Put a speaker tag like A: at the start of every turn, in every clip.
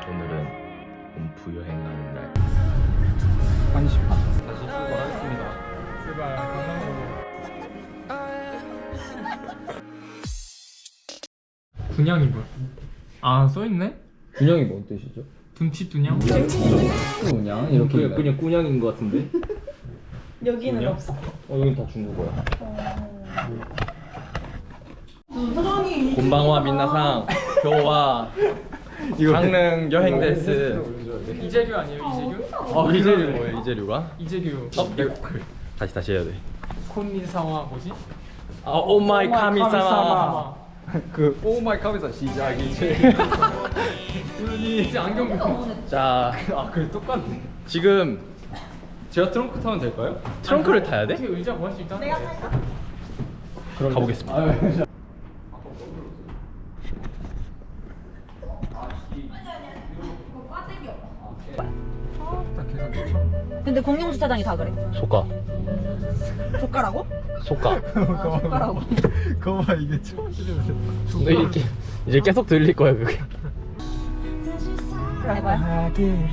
A: 오늘은 옴프 여행하는 날.
B: 1시 반.
A: 다시 출발하겠습니다.
B: 제발 강남으로. 분양이 뭐야? 아 써있네?
A: 균형이 뭔 뜻이죠?
B: 둠치 둔양?
A: 그냥 이렇게 그냥 꾸냥인 것 같은데.
C: 여기는
A: 그냥?
C: 없어.
A: 여긴 다 중국어야.
C: 사장이
A: 곤방와 민나상 교와 강릉 여행 데스.
B: 이재규 아니에요 이재규?
A: 이재류 뭐예요? 이재류가?
B: 이재규
A: 다시 해야 돼.
B: 콘니사와 뭐지?
A: 오마이 카미사마.
B: 그
A: 오마이 카미사 시작이지.
B: 이제 안경 벗고
A: 자,
B: 그래 똑같네.
A: 지금
B: 제가 트렁크 타면 될까요?
A: 트렁크를 타야 돼?
B: 어떻게 의자 구할 수 있다는
C: 내가
B: 거예요?
C: 탈까?
A: 가보겠습니다.
B: 딱 계산 좋죠?
C: 근데 공용 주차장이 다 그래.
A: 소가.
C: 조카라고?
A: 소가.
C: 조카라고.
B: 그거 봐 이게 처음 들으면
A: 너 이렇게 이제 계속 들릴 거야 그게.
C: 해봐요.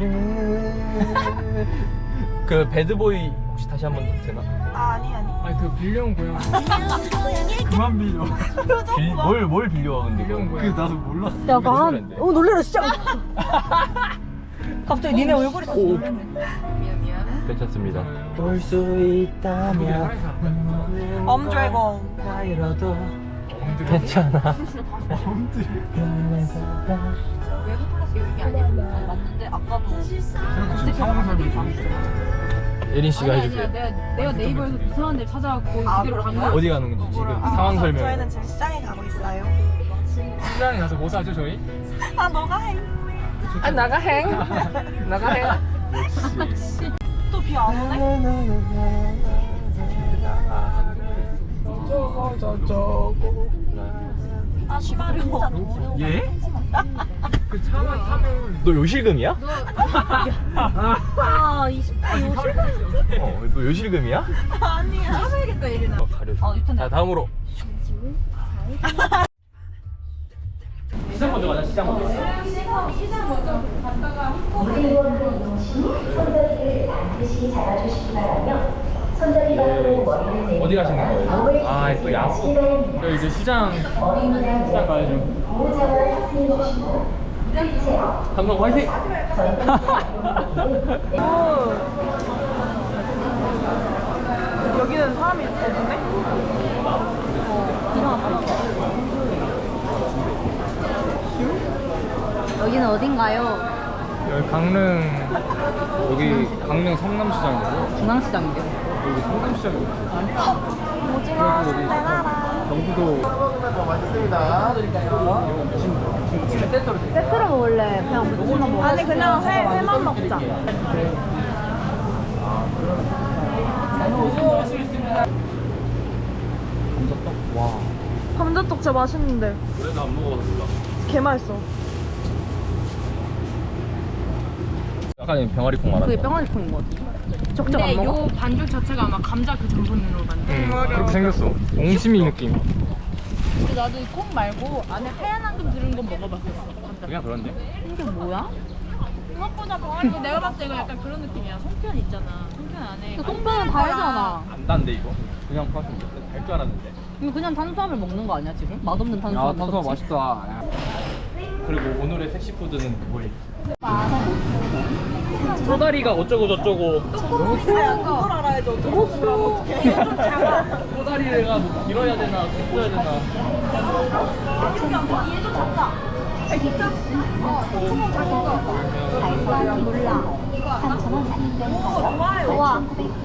A: 그 배드보이 혹시 다시 한 번 더 되나?
C: 아니.
B: 아니 그 빌려온 고양 그만 빌려
A: 뭘 빌려와 근데?
B: 빌려온
A: 그거?
B: 고양
C: 나도
A: 몰랐어.
C: 약간 놀래라 진짜. 갑자기 니네 얼굴이 다 놀랐네.
A: 괜찮습니다.
D: 볼 수 있다면
C: 엄드래곤.
D: 나이라도 괜찮아.
C: 외국 플러스 여기 아니야? 맞는데 아까도
B: 지금 상황 설명 좀
A: 예린 씨가
E: 아니,
A: 해주세요.
E: 내가 네이버에서 이상한 데 찾아갖고
C: 아,
E: 그대로 간
C: 그런가?
E: 거야.
A: 어디 가는 건지 지금 상황 설명.
C: 저희는 지금 시장에 가고 있어요.
B: 시장에 가서 뭐 사죠 저희?
C: 아 너가 해.
E: 나가 행.
C: 또 비 안 오네? 아 시발이야.
B: 예? 그 차만 타면
A: 너 요실금이야?
C: 아 20대 요즘.
A: 너 요실금이야?
C: 아니야.
E: 찾아야겠다 이리나.
C: 아 유턴.
A: 자 다음으로. 시장 먼저 가자. 시장 먼저. 어디 가시는 거예요? 아또 야구.
B: 저 이제 시장 가야죠.
A: 삼성 화이팅!
C: 여기는 사람이 없네?
E: 여기는 어딘가요?
B: 여기 강릉 성남시장이고
E: 중앙시장인데.
B: 여기 성남시장이고
C: 오징어 순대나라.
B: 경기도
E: 세트로 먹을래? 그냥 무침만 먹어.
C: 아니 그냥 회만 먹자. 감자떡 진짜 맛있는데.
A: 그래도 안 먹어서 몰라.
C: 개 맛있어.
A: 약간 병아리콩 말하는
E: 그게
A: 거.
E: 병아리콩인 것 같아. 적적
F: 근데
E: 안 먹어?
F: 요 반죽 자체가 아마 감자 그 전분으로 만든.
B: 그렇게 생겼어. 옹심이 느낌.
F: 근데 나도 이 콩 말고 안에 하얀 앙금 들은 건 먹어봤어. 감자.
A: 그냥 그런데.
E: 이게 뭐야?
F: 생각보다 병아리 내가 봤을 때 이거 약간 그런 느낌이야. 송편 있잖아. 송편 안에.
E: 그 송편은 달잖아.
A: 안 단데 이거? 그냥 파스 달줄 알았는데.
E: 이거 그냥 탄수화물 먹는 거 아니야 지금? 맛없는 탄수화물.
B: 탄수화
E: 섭취?
B: 맛있다.
A: 그리고 오늘의 섹시푸드는 그거예요. 쪼다리가 어쩌고 저쩌고.
C: 그걸 알아야죠. 어떻게 좀 작아.
A: 쪼다리가 뭐 길어야 되나 굵어야 되나.
C: 좋아.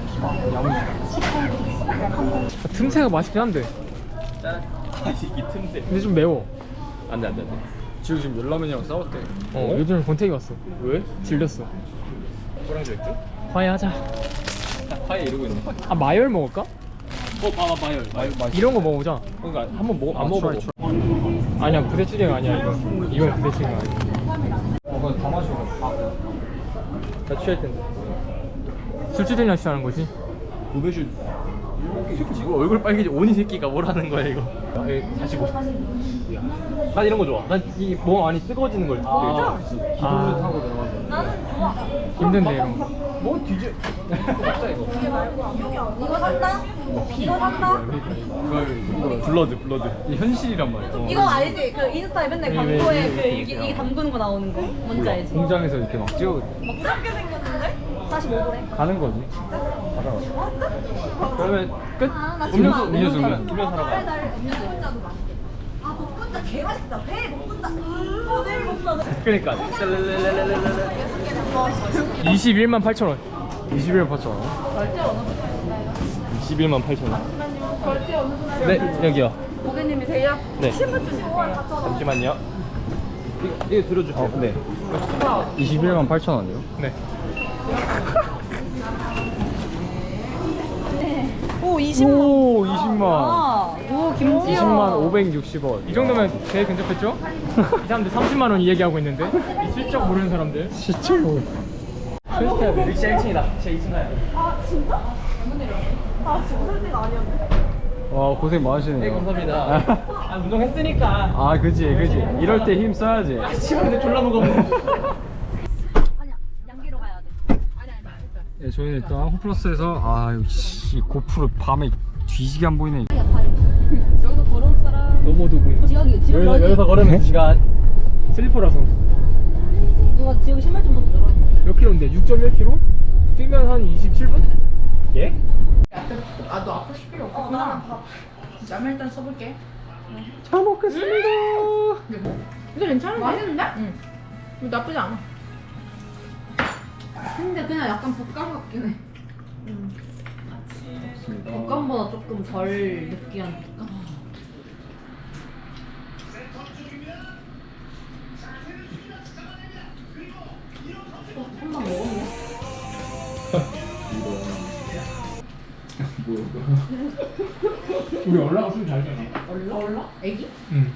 B: 틈새가 맛있긴 한데
A: 짠. 이 틈새.
B: 근데 좀 매워.
A: 안돼.
B: 지금 열라면이랑 싸웠대. 요즘 권태기 왔어.
A: 왜?
B: 질렸어.
A: 소량주 맥주?
B: 화해하자.
A: 파에 이러고 있네.
B: 아 마열 먹을까?
A: 봐봐 마열.
B: 이런 거 먹어보자.
A: 그러니까 한번 먹어 안 먹어보고.
B: 아니야 부대찌개가 아니야 이거. 이건 부대찌개가 아니야.
A: 그건 다 마셔. 다 취할 텐데.
B: 술주전이나 취하는 거지?
A: 고배슈 지금 얼굴 빨개지 오니 새끼가 뭐라는 거야 이거. 다시 보. 난 이런 거 좋아. 난 이 몸 안이 뜨거워지는 걸.
E: 아.
A: 기도를 타고 들어가서.
C: 나는 좋아.
B: 힘든데 이런 거.
A: 뭐 뒤져. 먹자 이거.
C: 이거 산다? 이거 산다?
A: 이거 블러드. 이 현실이란 말이야.
E: 이거 알지? 그 인스타에 맨날 광고에 그 이게 담그는 거 나오는 거 뭔지 알지?
B: 공장에서 이렇게 막 찍어
C: 무섭게 생겼는데?
E: 45도래.
B: 가는 거지.
A: 그러면 끝.
E: 나
A: 음료수
E: 정말
A: 음료수
E: 너무
A: 음료 사러 가.
C: 아, 복분자 개 맛있다. 회 복분자. 내일 먹자.
A: 그러니까.
B: 21만 8천 원. 21만 8천 원.
A: 21만 8천 원. 네 여기요.
C: 고객님이세요?
A: 네. 잠시만요. 이거 들어주세요. 네.
B: 21만 8천 원이요? 네.
E: 오 20만.
B: 오 20만.
E: 아, 오 김지영.
B: 20만 560원. 이 정도면 제일 근접했죠? 이 사람들 30만 원 얘기하고 있는데 이 실적 모르는 사람들.
A: 진짜 뭐. 여기 제 1층이다. 제 2층 가야 돼.
B: 와 고생 많으시네요.
A: 네 감사합니다. 아 운동했으니까.
B: 아 그지. 이럴 때 힘 써야지.
A: 치우는데 졸라 무겁네.
C: 아니야. 양기로 가야 돼. 아니.
B: 네, 저희는 일단 홈플러스에서 이 고프로 밤에 뒤지게 안 보이네.
E: 여기서 걸어올 사람.
B: 넘어도 보이네.
E: 지혁이
A: 여기서 걸으면 2시간.
B: 슬리퍼라서.
E: 누가 지혁이 신발 좀 벗어줘.
B: 몇 킬로인데? 6.1km? 뛰면 한 27분? 예?
F: 아너 아플 필요 없구나. 짬을 일단 써볼게.
B: 잘 먹겠습니다.
F: 근데 괜찮은데? 맛있는데? 응. 나쁘지 않아.
E: 근데 그냥 약간 볶음 같긴 해. 볶음보다 조금 덜 느끼한 볶음. 한번 먹었네.
B: 우리 올라가 술 잘 되나?
E: 얼라? 애기?
B: 응.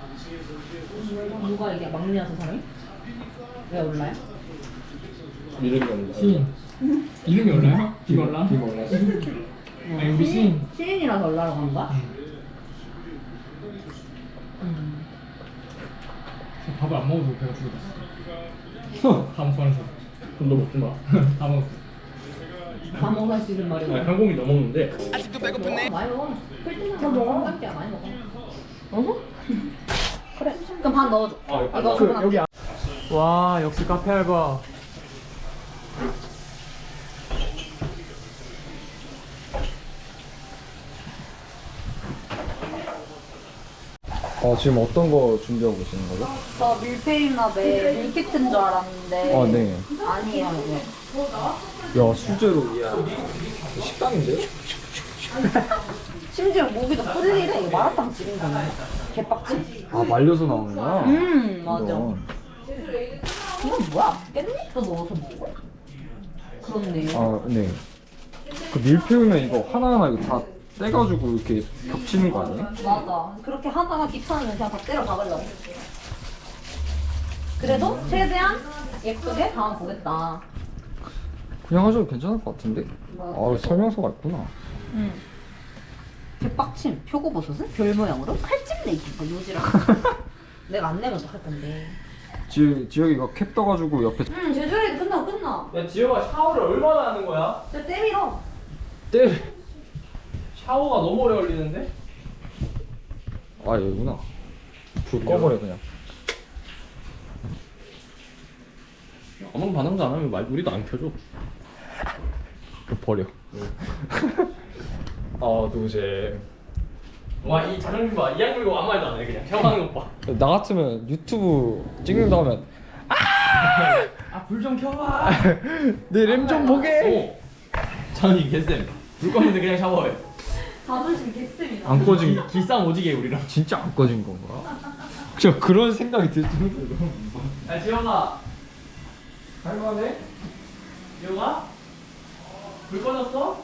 E: 누가 이게 막내여서 사람이? 왜 얼라야?
A: 이름이 없는
B: 시인. 이름이 올라요? 김올라?
A: 김올라.
B: 아니 우리 시인.
E: 시인이라서 얼라라고 한 거야?
B: 밥을 안 먹어도 배가 부르졌어. 다 먹어서.
A: 너 먹지 마.
B: 다 먹었어.
E: 다 먹을 수 있는 말이고.
A: 한 공기 넘었는데.
E: 많이 먹어. 필등한 거 먹어. 한 많이 먹어. 어허? 그래. 그럼 반 넣어줘. 이거
B: 그
E: 하나.
B: 여기 와 역시 카페 알바. 지금 어떤 거 준비하고 계시는 거죠?
E: 저 밀푀유나베 밀키트인 줄 알았는데.
B: 네.
E: 아니에요. 이게.
B: 야 수제로.
A: 식당인데?
E: 심지어 모기도 프릴이래. 이거 마라탕 집인 거네. 개빡치.
B: 말려서 나오는구나.
E: 맞아.
B: 이건.
E: 이건 뭐야? 깻잎도 넣어서 먹어? 그렇네.
B: 네. 그 밀푀우면 이거 하나하나 이거 다 떼가지고 이렇게 겹치는 거 아니에요?
E: 맞아. 그렇게 하다가 귀찮으면 그냥 다 때려 박으려고. 그래도 최대한 예쁘게 담아보겠다.
B: 그냥 하셔도 괜찮을 것 같은데? 설명서가 있구나.
E: 응. 개빡침. 표고버섯은 별 모양으로 칼집 내기. 뭐 요지랑. 내가 안 내면 어떡할 건데.
B: 지혁이가 캡 떠가지고 옆에
E: 제주에 끝나.
A: 야 지효가 샤워를 얼마나 하는 거야?
E: 저 때밀어.
A: 샤워가 너무 오래 걸리는데?
B: 여기구나. 불 꺼버려 그냥.
A: 아무 반응도 안 하면 우리도 안 켜줘.
B: 버려.
A: 도저히. 와이 자존심 봐. 이 양물고 아무 말도 안 해. 그냥 샤워하는 것 봐.
B: 나 같으면 유튜브 찍는다 하면
A: 불 좀 켜봐.
B: 내 램 좀 보게.
A: 저는 개쌤. 불 꺼는데 그냥 샤워해.
E: 자존심 개쓰이다.
B: 안 꺼진
A: 기싸움 오지게 해, 우리랑.
B: 진짜 안 꺼진 건가? 저 그런 생각이 들 정도로.
A: 야 지영아. 할만해? 지영아? 불 꺼졌어?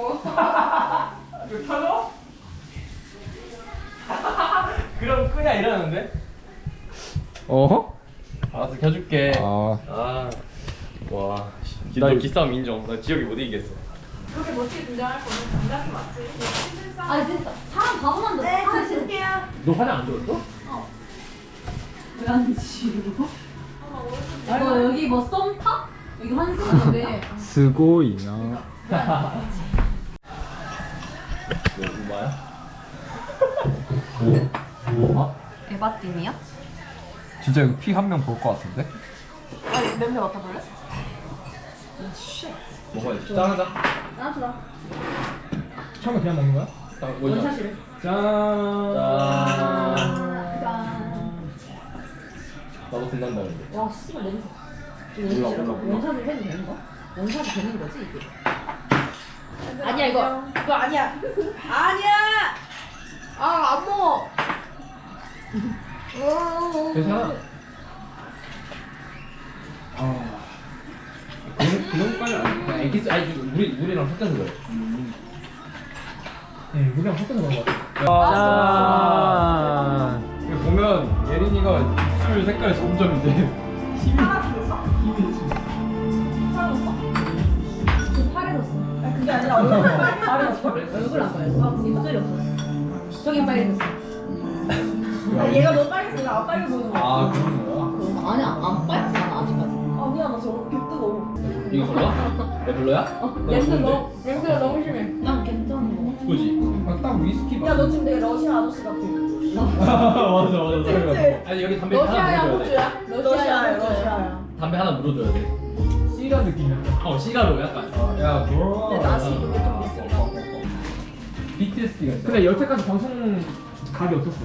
A: 불 켜져? 그럼 끄냐 이러는데?
B: 어허?
A: 알았어 켜줄게.
B: 아
A: 와.
B: 나
A: 너 기싸움 인정. 나 지혁이 못 이기겠어.
F: 그렇게 멋지게 등장할 거는 장난이 맞지.
E: 아니 진짜 사람 바보만
C: 네, 저 줄게요.
A: 너 화장 안 지웠어?
E: 왜안 지우고? 너 여기 뭐 썸 타? 여기 환승인데.
B: 스고이나.
A: 너 누마야?
E: 에바띵이야?
B: 진짜 이거 피 한 명 볼 것 같은데?
C: 아니, 냄새 맡아볼래?
A: 먹어야지. 짠하자.
E: 나주라.
B: 처음에 그냥 먹는 거야?
A: 딱 원샷.
E: 원샷이래.
B: 짠.
A: 나도 빛난다 근데.
E: 와 씨발 냄새.
A: 몰라, 몰라.
E: 원샷을 해도 되는 거야? 원샷이 되는 거지 이게? 아니야 이거.
C: 그거 아니야. 아니야! 아, 안 먹어.
B: 괜찮아.
A: 그런까지 아니야. 애기스 아니 우리랑 섞여서 그래.
B: 응, 물이랑 섞어서 먹은 것 같아.
A: 짠.
B: 이거 보면 예린이가 입술 색깔이 점점 이제
C: 파랗어졌어? 파랗었어?
E: 그 파래졌어.
C: 아니, 그게 아니라 얼굴
E: 파래졌어? 얼굴 안 파래졌어. 입술이 없어졌어. 저기 빨개졌어.
C: 아니, 얘가 너무 빨개서 안 빨개 보이는 거야.
B: 아 그런 거야?
E: 아니야 안 빨갛지 않아 아직까지.
C: 아니야, 나 저거 개뜨거워.
A: 이거 별로야? 내 별로야?
C: 냄새가 너무 심해.
E: 난 괜찮은 거.
A: 그지?
B: 딱 위스키
C: 야, 너 지금 되게 러시아 아저씨 같아.
B: 맞아 맞아.
C: 그치?
A: 아니 여기 담배 하나 물어줘야 돼.
C: 러시아야, 러시아야.
A: 담배 하나 물어줘야 돼.
B: 씨가 느낌이야.
A: 시가로 약간.
B: 야 그럼.
C: 근데 낯이 이게 좀 있으니까.
B: BTS가 있어. 근데 여태까지 방송 각이 어땠어?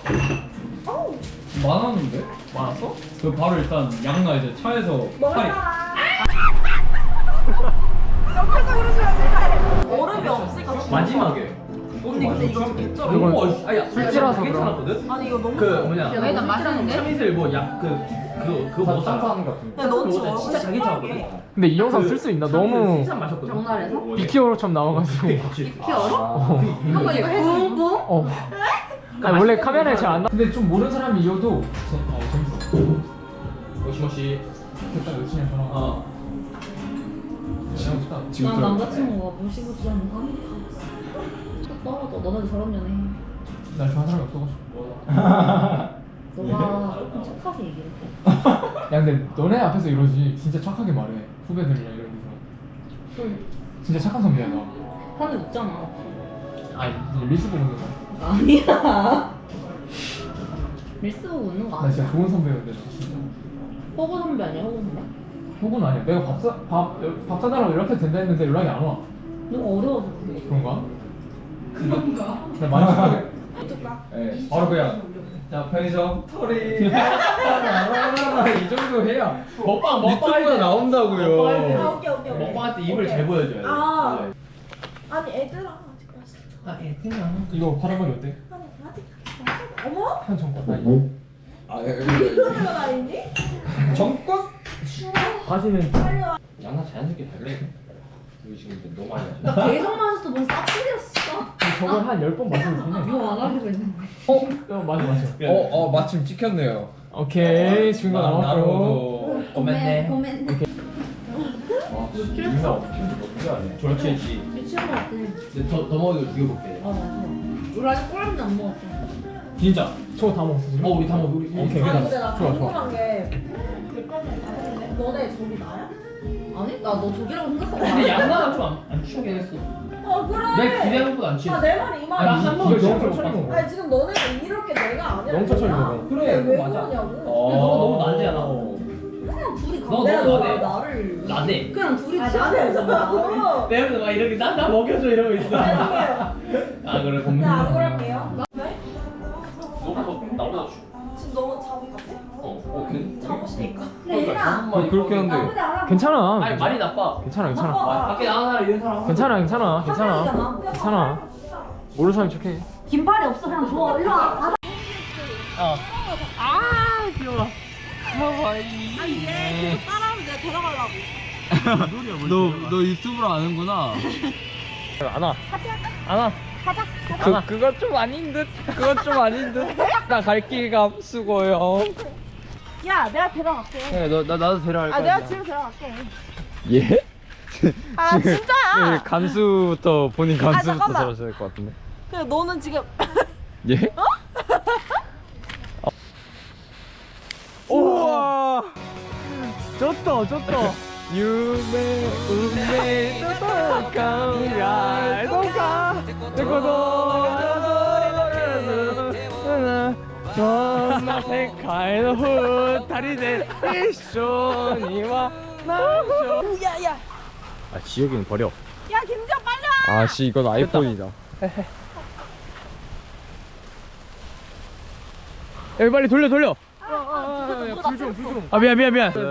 B: 많았는데? 많았어? 그 바로 일단 양나 이제 차에서
C: 먹을
B: 팔이
C: 사람. 옆에서 그러셔야지. 얼음이 없으니까.
A: 마지막에.
C: 언니, 근데 이거 좀 개쩔어.
A: 이거 아야
B: 술집이라서
A: 괜찮았거든.
C: 아니, 이거 너무
A: 그
C: 좋아.
A: 뭐냐?
E: 여기 난 맛있는데?
A: 참이슬 그거 먹었잖아.
B: 짠짠 같은 거.
C: 야, 너 지금
A: 그거
C: 얼굴
A: 진짜 자기
C: 시뻘게.
A: 차거든.
B: 근데 이 영상 쓸 수 있나? 너무
A: 칭찬 마셨거든.
E: 장난해서?
B: 비키어로처럼 나와가지고.
E: 비키어로? 한번 이거 해줘.
B: 어. 아니, 원래 카메라에 잘 안 나. 근데 좀 모르는 사람이 이어도 재밌어.
A: 모시모시.
B: 됐다 열심히 해 전화. 지금
E: 난 남자친구가 무시무시 하는 거 떨어져. 너네도 저런 년해.
B: 날 좋아하는 사람이 없어가지고.
E: 너가 조금 착하게 얘기해.
B: 야 근데 너네 앞에서 이러지 진짜 착하게 말해. 후배들이랑 이런 데서. 진짜 착한 선배야 나.
E: 사람들 웃잖아.
B: 아니 리스 보는 거.
E: 아니야. 밀스 보고 웃는 거
B: 나 진짜
E: 아니야.
B: 좋은 선배였는데 나 진짜.
E: 호구 선배 아니야 호구 선배?
B: 혹은 아니야. 내가 밥 사달라고 이렇게 된다 했는데 연락이 안 와.
E: 너가 어려워서 그래.
B: 그런가? 나 많이 착하게.
C: 어떡하?
B: 네, 바로 그냥 자 편의점 털이 이 정도 해야 유튜브가 나온다고요.
C: 아, 오케이.
A: 먹방할 때 입을 잘 보여줘야 돼.
C: 아. 아니, 애들아. 아직 맛있어.
B: 이거 파란머리 어때?
C: 아직. 어머?
B: 한 정권 나이.
C: 이거가 나이니?
B: 정권? 바지는
A: 양나 자연스럽게 달래. 여기 지금 너무 많이 마셔.
E: 나 계속 마셨어. 뭔 싹쓸이였어.
B: 저걸 한 10번 마시면 되네.
E: 이거 안 하기로 했는데.
B: 맞아.
G: 마침 찍혔네요.
B: 오케이 중간 나왔고.
A: 고맙네.
E: 고멘.
A: 민사 어떻게 하냐? 저렇게 했지.
E: 미치는 거 같아.
A: 근데 더 먹어도 죽여볼게.
E: 아 맞아. 우리 아직 꼬랑지 안 먹었어.
A: 진짜.
B: 저거 다 먹었어 지금?
A: 우리 다 먹어. 우리
B: 오케이.
C: 아니, 근데 나
B: 좋아.
C: 궁금한 게. 너네 저기 나야?
E: 아니 나 너 저기라고 생각하고.
A: 근데 양나가 좀 안 취하긴 했어.
C: 그래.
A: 내 기대한 것보다 안 취했어.
C: 아, 내 말이 이 말이야.
A: 아니, 한 번을
B: 너무
A: 진짜
B: 천천히
A: 못
B: 먹어.
C: 아니, 지금 너네가 이렇게 내가 아니라.
B: 너무 천천히
C: 내가.
B: 먹어.
A: 그래,
C: 근데 왜
A: 맞아.
C: 그러냐고.
A: 근데 너가 너무 나대야 나.
E: 그냥 둘이
A: 너
C: 내가
A: 너무
C: 너가
A: 나대.
C: 나를.
A: 나대.
E: 그냥 둘이
C: 아,
E: 취하는
C: 나대서
E: 거야.
C: 나고.
A: 내 옆에서 막 이렇게 나 먹여줘 이러고 있어.
C: 죄송해요.
A: 아 그래
C: 네,
A: 고민해.
C: 안 그럴게요. 네?
A: 나보다
C: 지금 너무 잡은 것 같아?
A: 오케이.
C: 잡으시니까.
A: 그러니까
B: 그렇게 하는데
C: 나쁘지 않아.
B: 괜찮아.
A: 아니 말이 나빠.
B: 괜찮아.
A: 밖에 나가는 사람 이런 사람.
B: 괜찮아. 모르는 사람이 척해.
E: 긴팔이 없어 그냥 줘. 일로 와.
G: 너 유튜브로 아는구나.
B: 그건 좀 아닌 듯. 나 갈 길가 수고요.
C: 야, 내가 데려갈게.
G: 그래, 나도 데려갈 거야.
C: 아, 내가 집에 데려갈게.
B: 예?
C: 아 진짜야?
D: 감수부터 본인 감수부터
C: 잠깐만.
D: 들어줘야 될 것 같은데.
C: 그 너는 지금
D: 예? 우와. 졌다 졌다. 유메 운메 또또까야 또까 정말 세카이의 후타리데 이쇼니와 나쇼.
C: 야야
A: 아 지혁이는 버려.
C: 야 김지영 빨리 와.
D: 아씨 이건 아이폰이다.
A: 야 빨리 돌려.
B: 불좀
A: 아 미안.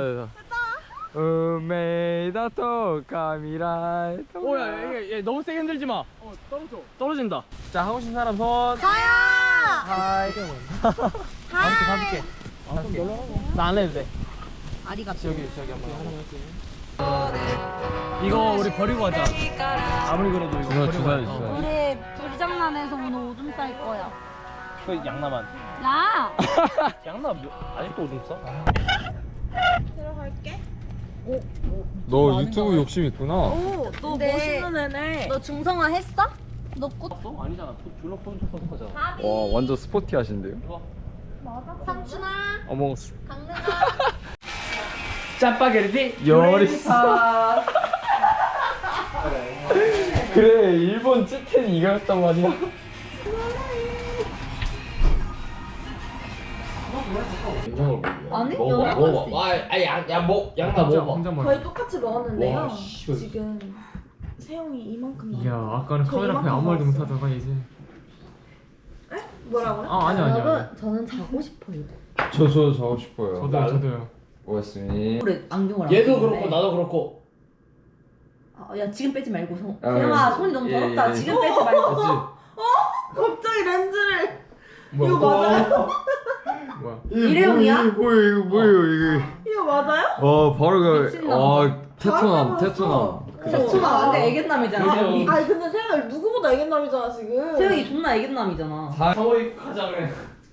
D: 우메이다 또까미라.
A: 오야 얘 너무 세게 흔들지 마. 떨어진다. 자 하고 싶은 사람 손.
C: 가야.
A: 하이. 가볼게. 나 안 해도 돼.
E: 아리가또.
A: 여기 한번. 이거 우리 버리고 가자. 아무리 그래도 이거 버리고 가자.
C: 우리 불장난해서 오늘 오줌 쌀 거야.
A: 그 양남한.
C: 야.
A: 양남 아직도 오줌 싸?
C: 들어갈게.
D: 너 유튜브 욕심 있구나.
C: 오, 너 멋있는 애네. 너 중성화 했어? 너 꽃.
A: 너 아니잖아. 졸라 폰쳐서 거잖아.
D: 와 완전 스포티하신데요?
C: 삼촌아.
D: 어몽스.
C: 강릉아.
A: 짜파게티
D: 요리사. 그래 일본 찌텐이 이거였단 말이야.
E: 아니?
A: 양남 먹어봐.
C: 거의 똑같이 먹었는데요.
A: 와, 씨, 이거-
C: 지금 세영이 이만큼
B: 야
C: 나와.
B: 아까는
C: 저
B: 카메라 앞에
C: 이만큼
B: 아무 말도
C: 먹었어요.
B: 못하다가 이제
C: 뭐라고요?
B: 아 아니야
E: 여러분 저는 자고 싶어요.
D: 저 자고 싶어요.
B: 저도요
D: 고맙습니다.
E: 그래 안경을 안
A: 얘도
E: 끼는데.
A: 그렇고 나도 그렇고.
E: 야 지금 빼지 말고
D: 아,
E: 세영아
D: 예,
E: 손이 너무
D: 예,
E: 더럽다.
D: 예.
E: 지금 빼지 말고.
C: 갑자기 렌즈를.
B: 뭐야
C: 이거 맞아요?
B: 뭐야
E: 일회용이야?
D: 뭐예요 이게?
C: 이거 맞아요?
D: 바로
E: 미친놈.
D: 테토남.
E: 세영아 근데 애견남이잖아. 세영이.
C: 아니 근데 세영이 누구보다 애견남이잖아 지금.
E: 세영이 존나 애견남이잖아.
A: 사모이 가자 그래.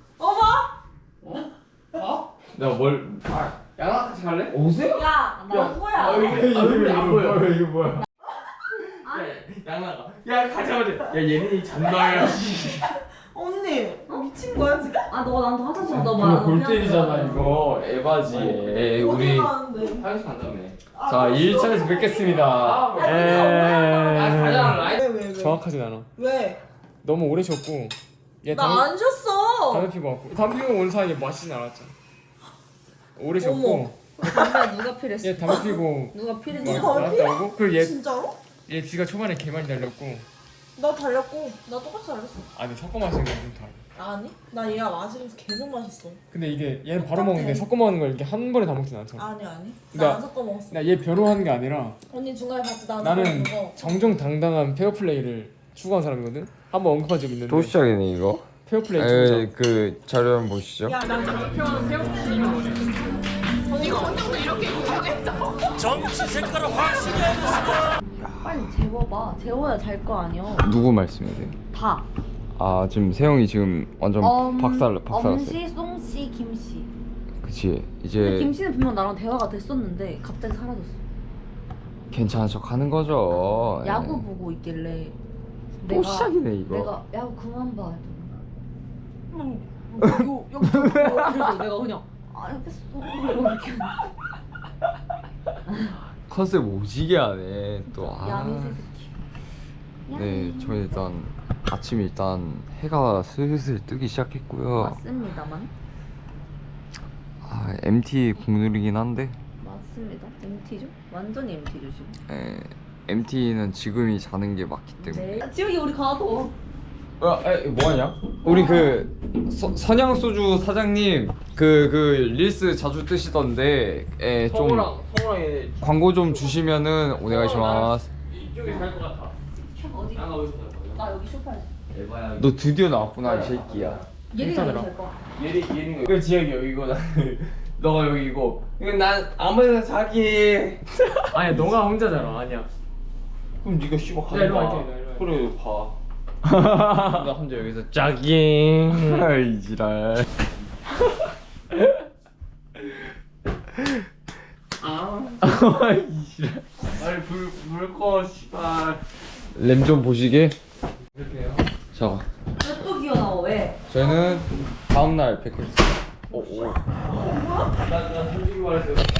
D: 내가 뭘?
A: 양아 같이 갈래?
D: 오세요?
C: 야, 나 뭐야?
A: 얼굴이 안 보여.
D: 이거 뭐야?
A: 양아가. 야 가자마자. 야 얘네 잔나야.
C: 언니 미친 거야 지금?
E: 아 너가 나한테 화장실 갔다 와.
D: 이거 에바지. 우리
C: 어디 가는데?
A: 화장실 간다며.
D: 자 2일차에서 뵙겠습니다.
A: 가자 라이.
C: 왜?
B: 정확하진 않아
C: 왜?
B: 너무 오래 쉬었고 얘
C: 나 안 쉬었어.
B: 담배 피고 왔고 담배 피고 온 사이에 마시진 않았잖아 오래 쉬었고
C: 어머.
E: 담배 누가 필했어?
B: 얘 담배 피고
E: 누가 필했냐?
C: 누가 담배 피워?
B: 나왔다 오고 그리고 얘
C: 진짜로?
B: 지가 초반에 개 많이 달렸고
C: 나 달렸고 나 똑같이 달렸어.
B: 아니 섞어 마시는 건 좀 다르
C: 아니? 나 얘가 마시면서 계속 마셨어.
B: 근데 이게 얘는 바로 먹는데 섞어 먹는 걸 이렇게 한 번에 다 먹진 않잖아
C: 아니.
B: 나-
C: 나 안 섞어 먹었어.
B: 나 얘 변호하는 게 아니라
C: 언니 중간에 봤지 나
B: 나는
C: 거.
B: 정정당당한 페어플레이를 추구한 사람이거든. 한번 언급한 적 있는데.
D: 또 시작이네 이거.
B: 페어플레이 추구자.
D: 그 자료 한번 보시죠.
C: 야, 나
B: 표현 페어플레이는 뭐지?
E: 빨리 재워봐. 재워야 잘 거 아니야.
D: 누구 말씀이세요?
E: 다.
D: 아 지금 세영이 지금 완전 박살났어요.
E: 엄씨, 송씨, 김씨.
D: 그치
E: 근데
D: 이제
E: 김씨는 분명 나랑 대화가 됐었는데 갑자기 사라졌어.
D: 괜찮은 척 하는 거죠.
E: 야구 보고 있길래
D: 또 시작이네 이거.
E: 내가 야구 그만 봐. 여기 그래서 내가 그냥 알겠어. 이렇게
D: 컨셉 오지게 하네 또.
E: 야미새 새끼.
D: 네, 저희 일단 아침 일단 해가 슬슬 뜨기 시작했고요.
E: 맞습니다만.
D: MT 국룰이긴 한데
E: 맞습니다. MT죠? 완전히 MT죠 지금.
D: MT는 지금이 자는 게 맞기 때문에.
E: 네. 지혁이 우리 가도.
D: 뭐하냐? 우리 그 선양 소주 사장님 그 릴스 자주 뜨시던데 좀
A: 성우랑
D: 광고 좀 주시면은 오네가시마스.
A: 이쪽에 갈 것 같아.
E: 어디?
A: 양아 어디서 갈 거야?
E: 나 여기 쇼파에.
A: 에바야.
D: 너 드디어 나왔구나 이 새끼야.
E: 예리가 여기 잘 거.
A: 얘는 그 지혁이 여기고 나 너가 여기고. 이거 난 아무데나 자기.
B: 아니야 너가 혼자 자라 아니야.
A: 그럼 네가 씨발
B: 야, 일로 갈게, 일로 갈게.
A: 그래 봐. 나 혼자 여기서 짜깅.
D: 아이 지랄.
A: 아. 빨리 불 꺼, 씨발.
G: 램 좀 보시게. 자,
E: 또 기어 나와 왜?
G: 저희는 다음날 뵙겠습니다.
A: 나 솔직히 말해서